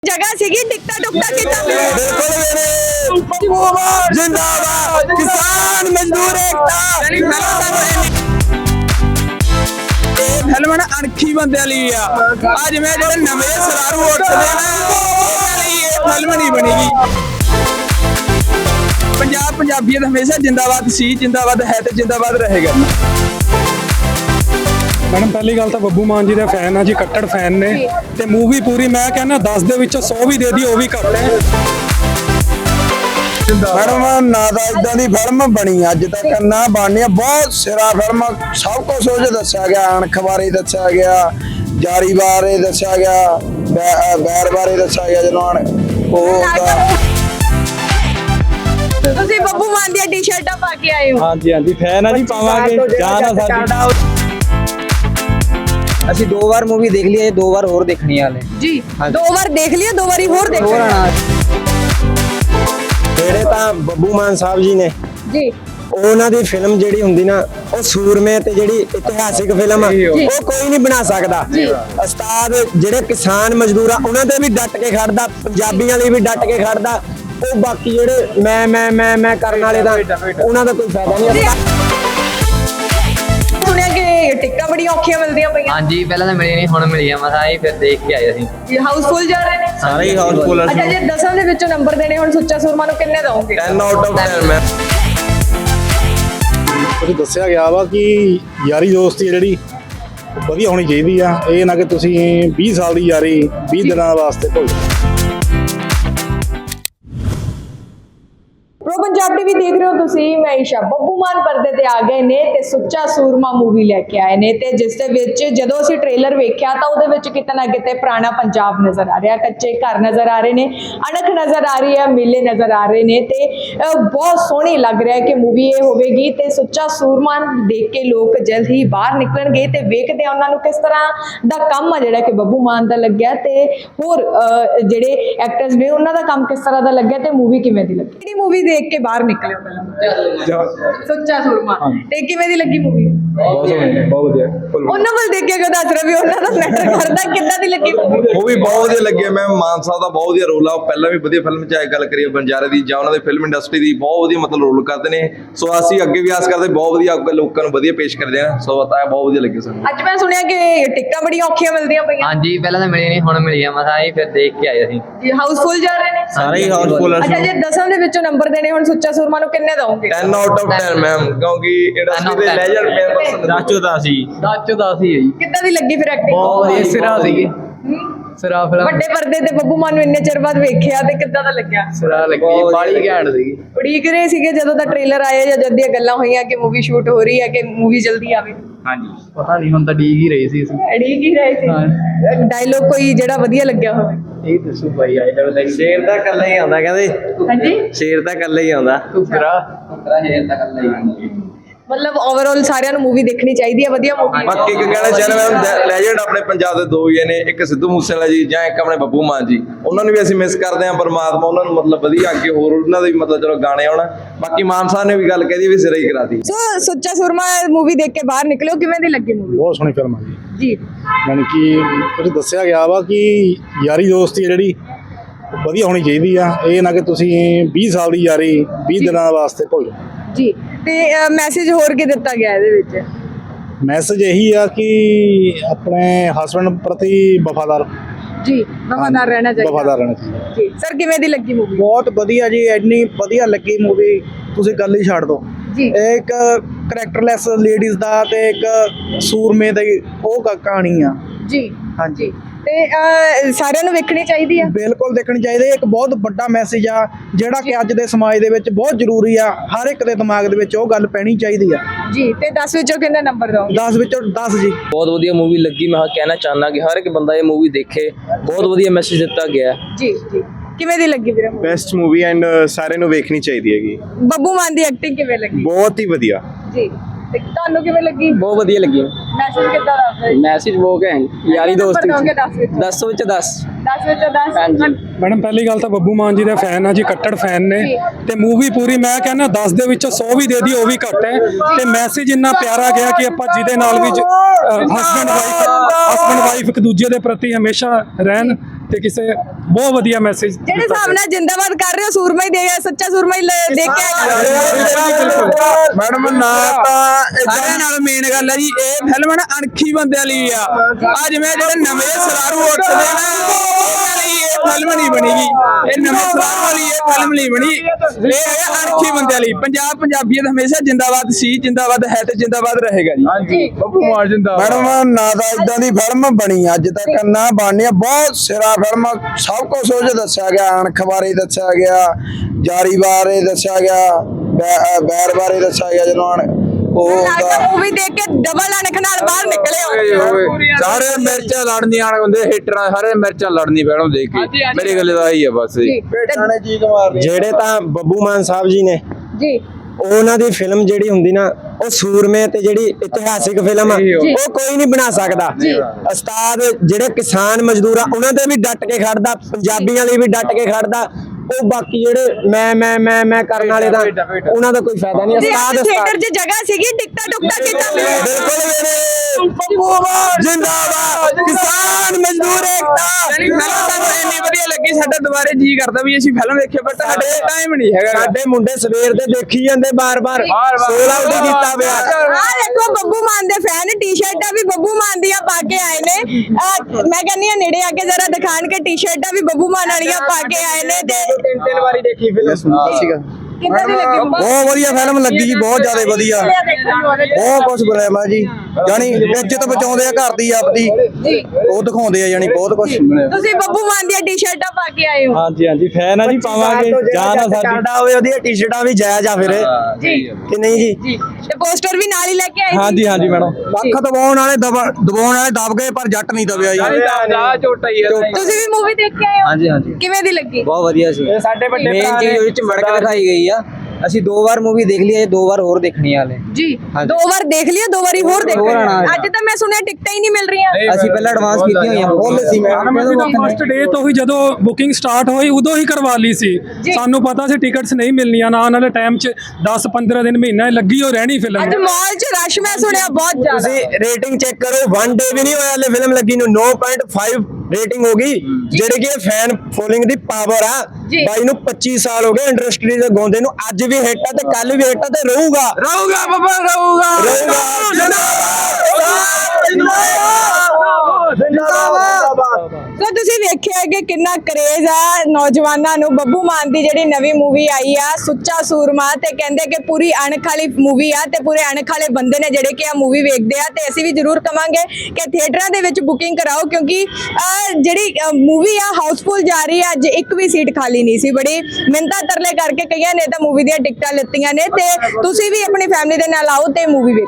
जगह सीगी टिकटा टुकटा कितना जिंदाबाद किसान मजदूर एकता फिल्म ना अणखी बंदे ਲਈ ਆ ਅੱਜ ਮੈਂ ਜਿਹੜੇ ਨਵੇਂ ਸਰਾਰੂ ਉੱਠਦੇ ਨਾ ਉਹਨਾਂ ਲਈ ਇਹ ਫਿਲਮ ਨਹੀਂ ਬਣੇਗੀ। ਪੰਜਾਬ ਪੰਜਾਬੀਅਤ ਹਮੇਸ਼ਾ ਜਿੰਦਾਬਾਦ ਸੀ, ਜਿੰਦਾਬਾਦ ਹੈ ਤੇ ਜਿੰਦਾਬਾਦ ਰਹੇਗਾ। मैडम पहली गल तो बब्बू मान जी के फैन है जी, कट्टर फैन ने ते मूवी पूरी मैं कहना 10 दे विच 100 भी दे दी वो भी घट है। मैडम ना तो इदा की फिल्म बनी अज तक ना बननी, बहुत सिरा फिल्म सब कुछ दसिया गया, अणख बारे दसिया गया, जारी बारे दसिया गया, बैर बारे दसिया गया। जो ਤੁਸੀਂ ਬੱਬੂ ਮਾਨ ਦੀਆਂ ਟੀ-ਸ਼ਰਟਾਂ ਪਾ ਕੇ ਆਏ ਹੋ? ਹਾਂਜੀ ਹਾਂਜੀ ਫੈਨ ਆ ਜੀ, ਪਾਵਾਂਗੇ ਜਾਨ ਆ ਸਾਡੀ। ਅਸੀਂ 2 ਵਾਰ मूवी देख ली है, 2 बार और देखनी है हाले जी। 2 बार देख लिया, 2 बारी और देखना ਜਿਹੜੇ ਤਾਂ ਬੱਬੂ ਮਾਨ ਸਾਹਿਬ ਜੀ ਨੇ जी। ਉਹਨਾਂ ਦੀ ਫਿਲਮ ਜਿਹੜੀ ਹੁੰਦੀ ਨਾ ਉਹ ਸੂਰਮੇ ਤੇ ਜਿਹੜੀ ਇਤਿਹਾਸਿਕ ਫਿਲਮ ਉਹ ਕੋਈ ਨਹੀਂ ਬਣਾ ਸਕਦਾ। ਉਸਤਾਦ ਜਿਹੜੇ ਕਿਸਾਨ ਮਜ਼ਦੂਰ ਆ ਉਹਨਾਂ ਦੇ ਵੀ ਡਟ ਕੇ ਖੜਦਾ, ਪੰਜਾਬੀਆਂ ਲਈ ਵੀ ਡਟ ਕੇ ਖੜਦਾ। ਉਹ ਬਾਕੀ ਜਿਹੜੇ ਮੈਂ ਕਰਨ ਵਾਲੇ ਦਾ ਉਹਨਾਂ ਦਾ ਕੋਈ ਫਾਇਦਾ ਨਹੀਂ। ਸੁਣਿਆ ਕਿ ਟਿਕਟਾਂ ਬੜੀਆਂ ਔਖੀਆਂ ਮਿਲਦੀਆਂ ਪਈਆਂ। ਹਾਂਜੀ ਪਹਿਲਾਂ ਤਾਂ ਮਿਲੀ ਨਹੀਂ, ਹੁਣ ਮਿਲੀ ਆ ਮਸਾਂ ਹੀ, ਫਿਰ ਦੇਖ ਕੇ ਆਏ ਅਸੀਂ। ਜੀ ਹਾਊਸਫੁੱਲ ਜਾ ਰਹੇ ਨੇ ਸਾਰੇ ਹੀ ਹਾਊਸਫੁੱਲ। ਅੱਛਾ ਜੇ 10 ਦੇ ਵਿੱਚੋਂ ਨੰਬਰ ਦੇਣੇ ਹੁਣ ਸੁੱਚਾ ਸੂਰਮਾ ਨੂੰ ਕਿੰਨੇ ਦਵੋਗੇ? 10 ਆਊਟ ਆਫ 10 ਮੈਂ ਤੁਸੀਂ ਦੱਸਿਆ ਗਿਆ ਵਾ ਕਿ ਯਾਰੀ ਦੋਸਤੀ ਜਿਹੜੀ ਵਧੀਆ ਹੋਣੀ ਚਾਹੀਦੀ ਆ। ਇਹ ਨਾ ਕਿ ਤੁਸੀਂ 20 ਸਾਲ ਦੀ ਯਾਰੀ 20 ਦਿਨਾਂ ਵਾਸਤੇ ਭੁੱਲ ਜਾਓ। ਪ੍ਰੋ ਪੰਜਾਬ ਟੀਵੀ ਦੇਖ ਰਹੇ ਹੋ ਤੁਸੀਂ, ਮੈਂ ਈਸ਼ਾ। ਬੱਬੂ ਮਾਨ ਪਰਦੇ ਤੇ ਆ ਗਏ ਨੇ ਤੇ ਸੁੱਚਾ ਸੂਰਮਾ ਮੂਵੀ ਲੈ ਕੇ ਆਏ ਨੇ ਤੇ ਜਿਸ ਦੇ ਵਿੱਚ ਜਦੋਂ ਅਸੀਂ ਟ੍ਰੇਲਰ ਵੇਖਿਆ ਤਾਂ ਉਹਦੇ ਵਿੱਚ ਕਿਤੇ ਨਾ ਕਿਤੇ ਪੁਰਾਣਾ ਪੰਜਾਬ ਨਜ਼ਰ ਆ ਰਿਹਾ, ਕੱਚੇ ਘਰ ਨਜ਼ਰ ਆ ਰਹੇ ਨੇ, ਅਣਖ ਨਜ਼ਰ ਆ ਰਹੀ ਹੈ, ਮੇਲੇ ਨਜ਼ਰ ਆ ਰਹੇ ਨੇ ਤੇ ਬਹੁਤ ਸੋਹਣੀ ਲੱਗ ਰਿਹਾ ਹੈ ਕਿ ਮੂਵੀ ਇਹ ਹੋਵੇਗੀ ਤੇ ਸੁੱਚਾ ਸੂਰਮਾ ਦੇਖ ਕੇ ਲੋਕ ਜਲਦ ਹੀ ਬਾਹਰ ਨਿਕਲਣਗੇ ਤੇ ਵੇਖਦੇ ਆ ਉਹਨਾਂ ਨੂੰ ਕਿਸ ਤਰ੍ਹਾਂ ਦਾ ਕੰਮ ਆ ਜਿਹੜਾ ਕਿ ਬੱਬੂ ਮਾਨ ਦਾ ਲੱਗਿਆ ਤੇ ਹੋਰ ਜਿਹੜੇ ਐਕਟਰਸ ਨੇ ਉਹਨਾਂ ਦਾ ਕੰਮ ਕਿਸ ਤਰ੍ਹਾਂ ਦਾ ਲੱਗਿਆ ਤੇ ਮੂਵੀ ਕਿਵੇਂ ਦੀ ਲੱਗੀ। ਕਿਹੜੀ ਮੂਵੀ ਦੇਖ ਕੇ ਬਾਹਰ ਨਿਕਲੇ ਹੋ ਪਹਿਲਾਂ? ਸੁੱਚਾ ਸੂਰਮਾ। ਤੇ ਕਿਵੇਂ ਦੀ ਲੱਗੀ ਮੂਵੀ? ਬਹੁਤ ਸੋਹਣੀ, ਬਹੁਤ ਵਧੀਆ। ਉਹਨਾਂ ਵੱਲ ਦੇਖ ਕੇ ਕਿਉਂ ਦੱਸ ਰਹੇ ਵੀ ਉਹਨਾਂ ਦਾ ਮੈਟਰ ਕਰਦਾ? ਕਿੱਦਾਂ ਦੀ ਲੱਗੀ ਉਹ ਵੀ ਬਹੁਤ ਵਧੀਆ ਲੱਗੀ ਮੈਂ। ਮਾਨ ਸਾਹਿਬ ਦਾ ਬਹੁਤ ਵਧੀਆ ਰੋਲ ਆ, ਉਹ ਪਹਿਲਾਂ ਵੀ ਵਧੀਆ ਫਿਲਮ ਚ ਗੱਲ ਕਰੀਏ ਬੰਜਾਰੇ ਦੀ ਜਾਂ ਉਹਨਾਂ ਦੇ ਫਿਲਮ ਇੰਡਸਟਰੀ ਦੀ ਬਹੁਤ ਵਧੀਆ ਮਤਲਬ ਰੋਲ ਕਰਦੇ ਨੇ। ਸੋ ਅਸੀਂ ਅੱਗੇ ਵੀ ਆਸ ਕਰਦੇ ਬਹੁਤ ਵਧੀਆ ਲੋਕਾਂ ਨੂੰ ਵਧੀਆ ਪੇਸ਼ ਕਰਦੇ ਆ। ਸੋ ਤਾਂ ਬਹੁਤ ਵਧੀਆ ਲੱਗੇ ਸਾਨੂੰ। ਅੱਜ ਮੈਂ ਸੁਣਿਆ ਕਿ ਟਿਕਟਾਂ ਬੜੀਆਂ ਔਖੀਆਂ ਮਿਲਦੀਆਂ ਪਈਆਂ। ਹਾਂਜੀ ਪਹਿਲਾਂ ਤਾਂ ਮਿਲੀ ਨਹੀਂ, ਹੁਣ ਮਿਲੀ ਆ ਮਸਾਂ ਹੀ, ਫਿਰ ਦੇਖ ਕੇ ਆਏ ਅਸੀਂ। ਜੀ ਹਾਊਸਫੁੱਲ ਜਾ ਰਹੇ ਨੇ ਸਾਰੇ ਹੀ ਹਾਊਸਫੁੱਲ। ਅੱਛਾ ਜੇ 10 ਦੇ ਵਿੱਚੋਂ ਨੰਬਰ ਦੇਣੇ ਹੁਣ ਸੁੱਚਾ ਸੂਰਮਾ ਨੂੰ ਕਿੰਨੇ ਦਵੋਗੇ? 10 ਆਊਟ ਆਫ 10 ਮੈਮ, ਕਿਉਂਕਿ ਇੰਡਸਟਰੀ ਦੇ ਲੈਜੈਂਡ ਮੇਰੇ ਪਸੰਦ। 10 ਚੋਂ 10 ਹੀ ਹੈ ਜੀ। ਕਿੱਦਾਂ ਦੀ ਲੱਗੀ ਫਿਰ ਐਕਟਿੰਗ? ਬਹੁਤ ਵਧੀਆ ਸਿਰਾ ਸੀਗੀ, ਸਿਰਾ ਫਿਲਮ ਵੱਡੇ ਪਰਦੇ ਤੇ ਬੱਬੂ ਮਾਨ ਨੂੰ ਇੰਨੇ ਚਿਰ ਬਾਅਦ ਵੇਖਿਆ ਤੇ ਕਿੱਦਾਂ ਦਾ ਲੱਗਿਆ? ਸਿਰਾ ਲੱਗੀ, ਬਾਲੀ ਘੈਂਟ ਸੀਗੀ। ਉਡੀਕ ਰਹੇ ਸੀਗੇ ਜਦੋਂ ਦਾ ਟ੍ਰੇਲਰ ਆਇਆ ਜਾਂ ਜਦ ਦੀਆਂ ਗੱਲਾਂ ਹੋਈਆਂ ਕਿ ਮੂਵੀ ਸ਼ੂਟ ਹੋ ਰਹੀ ਹੈ ਕਿ ਮੂਵੀ ਜਲਦੀ ਆਵੇ? ਹਾਂਜੀ ਪਤਾ ਨਹੀਂ, ਹੁਣ ਤਾਂ ਡੀਕ ਹੀ ਰਹੀ ਸੀ ਅਸੀਂ। ਉਡੀਕ ਹੀ ਰਹੇ ਸੀ। ਡਾਇਲੋਗ ਕੋਈ ਜਿਹੜਾ ਵਧੀਆ ਲੱਗਿਆ ਹੋਵੇ? ਇਹ ਦੱਸੋ ਭਾਈ ਆਏ ਤਾਂ ਸ਼ੇਰ ਤਾਂ ਇਕੱਲਾ ਹੀ ਆਉਂਦਾ, ਕਹਿੰਦੇ ਹਾਂਜੀ ਸ਼ੇਰ ਤਾਂ ਇਕੱਲਾ ਹੀ ਆਉਂਦਾ। ਟੁਕਰਾ ਸ਼ੇਰ ਤਾਂ ਕੱਲਾ ਹੀ। ਮਤਲਬ ਓਵਰਆਲ ਸਾਰਿਆਂ ਨੂੰ ਮੂਵੀ ਦੇਖਣੀ ਚਾਹੀਦੀ ਹੈ, ਵਧੀਆ ਮੂਵੀ। ਬਾਕੀ ਇੱਕ ਕਹਿਣਾ ਚਾਹੁੰਦਾ ਮੈਮ, ਲੈਜੈਂਡ ਆਪਣੇ ਪੰਜਾਬ ਦੇ 2 ਹੀ ਨੇ, ਇੱਕ ਸਿੱਧੂ ਮੂਸੇਵਾਲਾ ਜੀ ਜਾਂ ਇੱਕ ਆਪਣੇ ਬੱਬੂ ਮਾਨ ਜੀ। ਉਹਨਾਂ ਨੂੰ ਵੀ ਅਸੀਂ ਮਿਸ ਕਰਦੇ ਹਾਂ। ਪਰਮਾਤਮਾ ਉਹਨਾਂ ਨੂੰ ਮਤਲਬ ਵਧੀਆ ਅੱਗੇ ਹੋਰ ਉਹਨਾਂ ਦੇ ਵੀ ਮਤਲਬ ਚਲੋ ਗਾਣੇ ਆਉਣ। ਬਾਕੀ ਮਾਨ ਸਾਹਿਬ ਨੇ ਵੀ ਗੱਲ ਕਹਿ ਦੀ ਵੀ ਸਿਰੇ ਹੀ ਕਰਾਤੀ। ਸੋ ਸੁੱਚਾ ਸੂਰਮਾ ਮੂਵੀ ਦੇਖ ਕੇ ਬਾਹਰ ਨਿਕਲਿਓ, ਕਿਵੇਂ ਦੀ ਲੱਗੀ ਮੂਵੀ? ਬਹੁਤ ਸੋਹਣੀ ਫਿਲਮ ਆ ਜੀ। ਜੀ ਯਾਨੀ ਕਿ ਤੁਸੀਂ ਦੱਸਿਆ ਗਿਆ ਵਾ ਕਿ ਯਾਰੀ ਦੋਸਤੀ ਜਿਹੜੀ ਵਧੀਆ ਹੋਣੀ ਚਾਹੀਦੀ ਆ। ਇਹ ਨਾ ਕਿ ਤੁਸੀਂ 20 ਸਾਲ ਦੀ ਯਾਰੀ 20 ਦਿਨਾਂ ਵਾਸਤੇ ਭੁੱਲ ਜਾਓ। ਜੀ ਤੇ ਮੈਸੇਜ ਹੋਰ ਕੀ ਦਿੱਤਾ ਗਿਆ ਇਹਦੇ ਵਿੱਚ? ਮੈਸੇਜ ਇਹੀ ਆ ਕਿ ਆਪਣੇ ਹਸਬੰਡ ਪ੍ਰਤੀ ਵਫਾਦਾਰ ਵਫਾਦਾਰ ਰਹਿਣਾ ਚਾਹੀਦਾ। ਵਫਾਦਾਰ ਰਹਿਣਾ ਚਾਹੀਦਾ। ਜੀ ਸਰ ਕਿਵੇਂ ਦੀ ਲੱਗੀ ਮੂਵੀ? ਬਹੁਤ ਵਧੀਆ ਜੀ, ਇੰਨੀ ਵਧੀਆ ਲੱਗੀ ਮੂਵੀ ਤੁਸੀਂ ਗੱਲ ਹੀ ਛੱਡ ਦਿਓ। ਜੀ ਇਹ ਇੱਕ ਕਰੈਕਟਰਲੈਸ ਲੇਡੀਜ਼ ਦਾ ਤੇ ਇੱਕ ਸੂਰਮੇ ਦੀ ਉਹ ਕਹਾਣੀ ਆ। ਜੀ ਹਾਂਜੀ ਤੇ ਸਾਰਿਆਂ ਨੂੰ ਵੇਖਣੀ ਚਾਹੀਦੀ ਆ। ਬਿਲਕੁਲ ਦੇਖਣੀ ਚਾਹੀਦੀ ਹੈ। ਇੱਕ ਬਹੁਤ ਵੱਡਾ ਮੈਸੇਜ ਆ ਜਿਹੜਾ ਕਿ ਅੱਜ ਦੇ ਸਮਾਜ ਦੇ ਵਿੱਚ ਬਹੁਤ ਜ਼ਰੂਰੀ ਆ। ਹਰ ਇੱਕ ਦੇ ਦਿਮਾਗ ਦੇ ਵਿੱਚ ਉਹ ਗੱਲ ਪੈਣੀ ਚਾਹੀਦੀ ਆ। ਜੀ ਤੇ 10 ਵਿੱਚੋਂ ਕਿੰਨੇ ਨੰਬਰ ਦੋਗੇ? 10 ਵਿੱਚੋਂ 10 ਜੀ। ਬਹੁਤ ਵਧੀਆ ਮੂਵੀ ਲੱਗੀ। ਮੈਂ ਕਹਿਣਾ ਚਾਹੁੰਦਾ ਕਿ ਹਰ ਇੱਕ ਬੰਦਾ ਇਹ ਮੂਵੀ ਦੇਖੇ, ਬਹੁਤ ਵਧੀਆ ਮੈਸੇਜ ਦਿੱਤਾ ਗਿਆ। ਜੀ ਜੀ ਕਿਵੇਂ ਦੀ ਲੱਗੀ ਵੀਰੇ ਮੂਵੀ? ਬੈਸਟ ਮੂਵੀ ਐਂਡ ਸਾਰਿਆਂ ਨੂੰ ਵੇਖਣੀ ਚਾਹੀਦੀ ਹੈਗੀ। ਬੱਬੂ ਮਾਨ ਦੀ ਐਕਟਿੰਗ ਕਿਵੇਂ ਲੱਗੀ? ਬਹੁਤ ਹੀ ਵਧੀਆ। ਜੀ ਤੇ ਤੁਹਾਨੂੰ ਕਿਵੇਂ ਲੱਗੀ? ਬਹੁਤ ਵਧੀਆ ਲੱਗੀ। ਮੈਸੇਜ ਕਿੱਦਾਂ ਦਾ? ਮੈਸੇਜ ਬਹੁਤ ਘੈਂਟ, ਯਾਰੀ ਦੋਸਤੀ। 10 ਵਿੱਚ 10 ਵਿੱਚ 10। 10 ਵਿੱਚੋਂ 10। मैडम पहली गल तो बब्बू मान जी के फैन है जी, कट्टर फैन ने ते मूवी पूरी मैं कहना 10 दे विच 100 भी दे दी वो भी घट है। ते मैसेज इन्ना प्यारा गया कि आपां जिहदे नाल भी हस्बैंड वाइफ एक दूजे के प्रति हमेशा रहन ਤੇ ਕਿਸੇ ਬਹੁਤ ਵਧੀਆ ਮੈਸੇਜ ਜਿਹੜੇ ਹਿਸਾਬ ਨਾਲ ਜਿੰਦਾਬਾਦ ਕਰ ਰਹੇ ਹੋ, ਸੂਰਮਾ ਹੀ ਦੇ ਸੱਚਾ ਸੂਰਮਾ ਹੀ ਦੇਖ ਕੇ ਆਏ। ਮੈਡਮ ਨਾ ਤਾਂ ਸਾਰਿਆਂ ਨਾਲ ਮੇਨ ਗੱਲ ਹੈ ਜੀ, ਇਹ ਫਿਲਮ ਨਾ ਅਣਖੀ ਬੰਦਿਆਂ ਲਈ ਆ। ਅੱਜ ਮੈਂ ਜਿਹੜੇ ਨਵੇਂ ਸਰਾਰੂ ਉੱਠਦੇ ਨਾ ਉਹਨਾਂ ਲਈ ਇਹ ਫਿਲਮ ਨਹੀਂ ਬਣੀਗੀ। ਇਹ ਨਵੇਂ ਸਰਾਰੂ ਵਾਲੀ ਇਹ ਫਿਲਮ ਨਹੀਂ ਬਣੀ। ਇਹ ਹੈ ਅਣਖੀ ਬੰਦਿਆਂ ਲਈ। ਪੰਜਾਬੀਅਤ ਹਮੇਸ਼ਾ ਜਿੰਦਾਬਾਦ ਸੀ, ਜਿੰਦਾਬਾਦ ਹੈ ਤੇ ਜਿੰਦਾਬਾਦ ਰਹੇਗਾ ਜੀ। ਹਾਂਜੀ ਬੱਬੂ ਮਾਨ ਜਿੰਦਾਬਾਦ। ਮੈਡਮ ਨਾ ਤਾਂ ਇਦਾਂ ਦੀ ਫਿਲਮ ਬਣੀ ਅੱਜ ਤੱਕ ਨਾ ਬਣਨੀ ਆ। ਬਹੁਤ ਸਿਰਾ ਫਿਲਮ, ਸਭ ਕੁਝ ਉਹ 'ਚ ਦੱਸਿਆ ਗਿਆ। ਅਣਖ ਬਾਰੇ ਦੱਸਿਆ ਗਿਆ, ਜਾਰੀ ਬਾਰੇ ਦੱਸਿਆ ਗਿਆ, ਬੈਰ ਬਾਰੇ ਦੱਸਿਆ ਗਿਆ। ਜਦੋਂ ਉਹ ਲੱਗਦਾ ਮੂਵੀ ਦੇਖ ਕੇ ਡਬਲ ਅਣਖ ਨਾਲ ਬਾਹਰ ਨਿਕਲੇ ਹੋ। ਸਾਰੇ ਮਿਰਚਾਂ ਲੜਨੀਆਂ ਹੁੰਦੇ ਹੇਟਰਾਂ, ਸਾਰੇ ਮਿਰਚਾਂ ਲੜਨੀ ਫਿਲਮ ਦੇਖ ਕੇ। ਮੇਰੀ ਗੱਲ ਤਾਂ ਆਹੀ ਆ ਬਸ ਜੀ। ਭੇਟਾਂ ਨੇ ਚੀਕ ਮਾਰਨੀ। ਜਿਹੜੇ ਤਾਂ ਬੱਬੂ ਮਾਨ ਸਾਹਿਬ ਜੀ ਨੇ, ਜੀ ਉਹਨਾਂ ਦੀ ਫਿਲਮ ਜਿਹੜੀ ਹੁੰਦੀ ਨਾ, ਉਹ ਸੂਰਮੇ ਤੇ ਜਿਹੜੀ ਇਤਿਹਾਸਿਕ ਫਿਲਮ ਆ, ਉਹ ਕੋਈ ਨਹੀਂ ਬਣਾ ਸਕਦਾ। ਉਸਤਾਦ ਜਿਹੜੇ ਕਿਸਾਨ ਮਜ਼ਦੂਰ ਆ, ਉਹਨਾਂ ਤੇ ਵੀ ਡਟ ਕੇ ਖੜਦਾ, ਪੰਜਾਬੀਆਂ ਲਈ ਵੀ ਡਟ ਕੇ ਖੜਦਾ। ਉਹ ਬਾਕੀ ਜਿਹੜੇ ਮੈਂ ਕਰਨ ਵਾਲੇ ਦਾ, ਉਹਨਾਂ ਦਾ ਕੋਈ ਫਾਇਦਾ ਨਹੀਂ। ਉਸਤਾਦ ਥੀਏਟਰ 'ਚ ਜਗ੍ਹਾ ਸੀਗੀ, ਟਿਕਟਾਂ ਟੁਕਟਾਂ ਕਿੱਦਾਂ ਮਿਲੀਆਂ? ਬਿਲਕੁਲ ਜਿੰਦਾਬਾਦ, ਕਿਸਾਨ ਮਜ਼ਦੂਰ ਏਕਤਾ। ਫਿਲਮ ਸਾਨੂੰ ਇੰਨੀ ਵਧੀਆ ਲੱਗੀ, ਸਾਡਾ ਦੁਬਾਰੇ ਜੀ ਕਰਦਾ ਵੀ ਅਸੀਂ ਫਿਲਮ ਦੇਖੀਏ, ਬਟ ਸਾਡੇ ਟਾਈਮ ਨਹੀਂ ਹੈਗਾ। ਸਾਡੇ ਮੁੰਡੇ ਸਵੇਰ ਦੇ ਦੇਖੀ ਜਾਂਦੇ ਬਾਰ-ਬਾਰ, ਸੋਲ ਆਊਟ ਹੀ ਕੀਤਾ ਪਿਆ। ਆਹ ਦੇਖੋ ਬੱਬੂ ਮਾਨ ਦੇ ਫੈਨ ਟੀ-ਸ਼ਰਟਾਂ ਵੀ ਬੱਬੂ ਮਾਨ ਦੀਆਂ ਪਾ ਕੇ ਆਏ ਨੇ। ਮੈਂ ਕਹਿੰਦੀ ਆ ਨੇੜੇ ਆ ਕੇ ਜ਼ਰਾ ਦਿਖਾਣ ਕੇ ਟੀ-ਸ਼ਰਟਾਂ ਵੀ ਬੱਬੂ ਮਾਨ ਵਾਲੀਆਂ ਪਾ ਕੇ ਆਏ ਨੇ। ਤੇ ਤਿੰਨ ਵਾਰੀ ਦੇਖੀ ਫਿਲਮ। ਕਿੱਦਾਂ ਦੀ ਲੱਗੀ? ਬਹੁਤ ਵਧੀਆ ਫਿਲਮ ਲੱਗੀ ਜੀ, ਬਹੁਤ ਜ਼ਿਆਦਾ ਵਧੀਆ। ਬਹੁਤ ਕੁਝ ਬਣਾਇਆ ਜੀ, ਜਾਨੀ ਇੱਜ਼ਤ ਬਚਾਉਂਦੇ ਆ ਘਰ ਦੀ ਆਪਦੀ, ਉਹ ਦਿਖਾਉਂਦੇ ਆ ਜਾਨੀ ਬਹੁਤ ਕੁਝ। ਤੁਸੀਂ ਬੱਬੂ ਮਾਨ ਦੀਆਂ ਟੀ-ਸ਼ਰਟਾਂ ਪਾ ਕੇ ਆਏ ਹੋ। ਹਾਂਜੀ ਫੈਨ ਆ ਜੀ, ਪਾਵਾਂਗੇ। ਜਾਨ ਆ ਸਾਡਾ ਹੋਵੇ, ਉਹਦੀਆਂ ਟੀ-ਸ਼ਰਟਾਂ ਵੀ ਜਾਇਜ਼ ਆ ਫਿਰ ਜੀ ਕਿ ਨਹੀਂ ਜੀ? ਤੇ ਪੋਸਟਰ ਵੀ ਨਾਲ ਹੀ ਲੈ ਕੇ ਆਏ ਸੀ। ਹਾਂਜੀ ਮੈਡਮ। ਲੱਖ ਦਬਾਉਣ ਵਾਲੇ ਦਬ ਗਏ, ਪਰ ਜੱਟ ਨਹੀਂ ਦਬਿਆ ਜੀ। ਝੋਟਾ ਹੀ ਆ। ਤੁਸੀਂ ਵੀ ਮੂਵੀ ਦੇਖ ਕੇ ਆਏ ਹੋ? ਹਾਂਜੀ ਕਿਵੇਂ ਦੀ ਲੱਗੀ? ਬਹੁਤ ਵਧੀਆ ਸੀ। ਸਾਡੇ ਵੱਡੇ ਮੇਨ ਚੀਜ਼ ਉਹਦੇ ਵਿੱਚ ਮੜਕ ਦਿਖਾਈ ਗਈ ਆ। ਅਸੀਂ 2 ਵਾਰ ਮੂਵੀ ਦੇਖ ਲਈ ਹੈ, 2 ਵਾਰ ਹੋਰ ਦੇਖਣੀ ਹਾਲੇ। ਜੀ 2 ਵਾਰ ਦੇਖ ਲਿਆ, 2 ਵਾਰੀ ਹੋਰ ਦੇਖਣੀ। ਹੋਰ ਆਉਣਾ। ਅੱਜ ਤਾਂ ਮੈਂ ਸੁਣਿਆ ਟਿਕਟਾਂ ਹੀ ਨਹੀਂ ਮਿਲ ਰਹੀਆਂ। ਅਸੀਂ ਪਹਿਲਾਂ ਐਡਵਾਂਸ ਕੀਤੀਆਂ ਹੋਈਆਂ, ਫੁੱਲ ਸੀ। ਫਸਟ ਡੇ ਤੋਂ ਹੀ ਜਦੋਂ ਬੁਕਿੰਗ ਸਟਾਰਟ ਹੋਈ ਉਦੋਂ ਹੀ ਕਰਵਾ ਲਈ ਸੀ। ਸਾਨੂੰ ਪਤਾ ਸੀ ਟਿਕਟਸ ਨਹੀਂ ਮਿਲਣੀਆਂ, ਨਾ ਉਹਨਾਂ ਦੇ ਟਾਈਮ 'ਚ 10-15 ਦਿਨ ਮਹੀਨਾ ਲੱਗੀ ਹੋ ਰਹਿਣੀ ਫਿਲਮ। ਅੱਜ ਮਾਲ 'ਚ ਰਸ਼ ਮੈਂ ਸੁਣਿਆ ਬਹੁਤ ਜ਼ਿਆਦਾ। ਤੁਸੀਂ ਰੇਟਿੰਗ ਚੈੱਕ ਕਰੋ, 1 ਡੇ ਵੀ ਨਹੀਂ ਹੋਇਆ ਹਲੇ ਫਿਲਮ ਲੱਗੀ ਨੂੰ, 9.5 ਰੇਟਿੰਗ ਹੋ ਗਈ, ਜਿਹੜੀ ਕਿ ਫੈਨ ਫੋਲੋਇੰਗ ਦੀ ਪਾਵਰ ਆ। ਬਾਈ ਨੂੰ 25 ਸਾਲ ਹੋ ਗਏ ਇੰਡਸਟਰੀ ਦੇ ਗਾਉਂਦੇ ਨੂੰ, ਅੱਜ ਵੀ ਹਿੱਟ ਆ ਤੇ ਕੱਲ ਵੀ ਹਿੱਟ ਆ ਤੇ ਰਹੂਗਾ ਬਾਬਾ, ਰਹੂਗਾ। ਸੋ ਤੁਸੀਂ ਵੇਖਿਆ ਕਿ ਕਿੰਨਾ ਕਰੇਜ਼ ਆ ਨੌਜਵਾਨਾਂ ਨੂੰ। ਬੱਬੂ ਮਾਨ ਦੀ ਜਿਹੜੀ ਨਵੀਂ ਮੂਵੀ ਆਈ ਆ ਸੁੱਚਾ ਸੂਰਮਾ, ਤੇ ਕਹਿੰਦੇ ਕਿ ਪੂਰੀ ਅਣਖ ਵਾਲੀ ਮੂਵੀ ਆ ਤੇ ਪੂਰੇ ਅਣਖ ਵਾਲੇ ਬੰਦੇ ਨੇ ਜਿਹੜੇ ਕਿ ਆ ਮੂਵੀ ਵੇਖਦੇ ਆ। ਤੇ ਅਸੀਂ ਵੀ ਜ਼ਰੂਰ ਕਵਾਂਗੇ ਕਿ ਥੀਏਟਰਾਂ ਦੇ ਵਿੱਚ ਬੁਕਿੰਗ ਕਰਾਓ, ਕਿਉਂਕਿ ਜਿਹੜੀ ਮੂਵੀ ਆ ਹਾਊਸਫੁੱਲ ਜਾ ਰਹੀ ਆ। ਅੱਜ ਇੱਕ ਵੀ ਸੀਟ ਖਾਲੀ ਨਹੀਂ ਸੀ। ਬੜੀ ਮਿੰਨਤਾਂ ਤਰਲੇ ਕਰਕੇ ਕਈਆਂ ਨੇ ਤਾਂ ਮੂਵੀ ਦੀਆਂ ਟਿਕਟਾਂ ਲਿੱਤੀਆਂ ਨੇ। ਤੇ ਤੁਸੀਂ ਵੀ ਆਪਣੀ ਫੈਮਿਲੀ ਦੇ ਨਾਲ ਆਓ ਤੇ ਮੂਵੀ ਵੇਖੋ।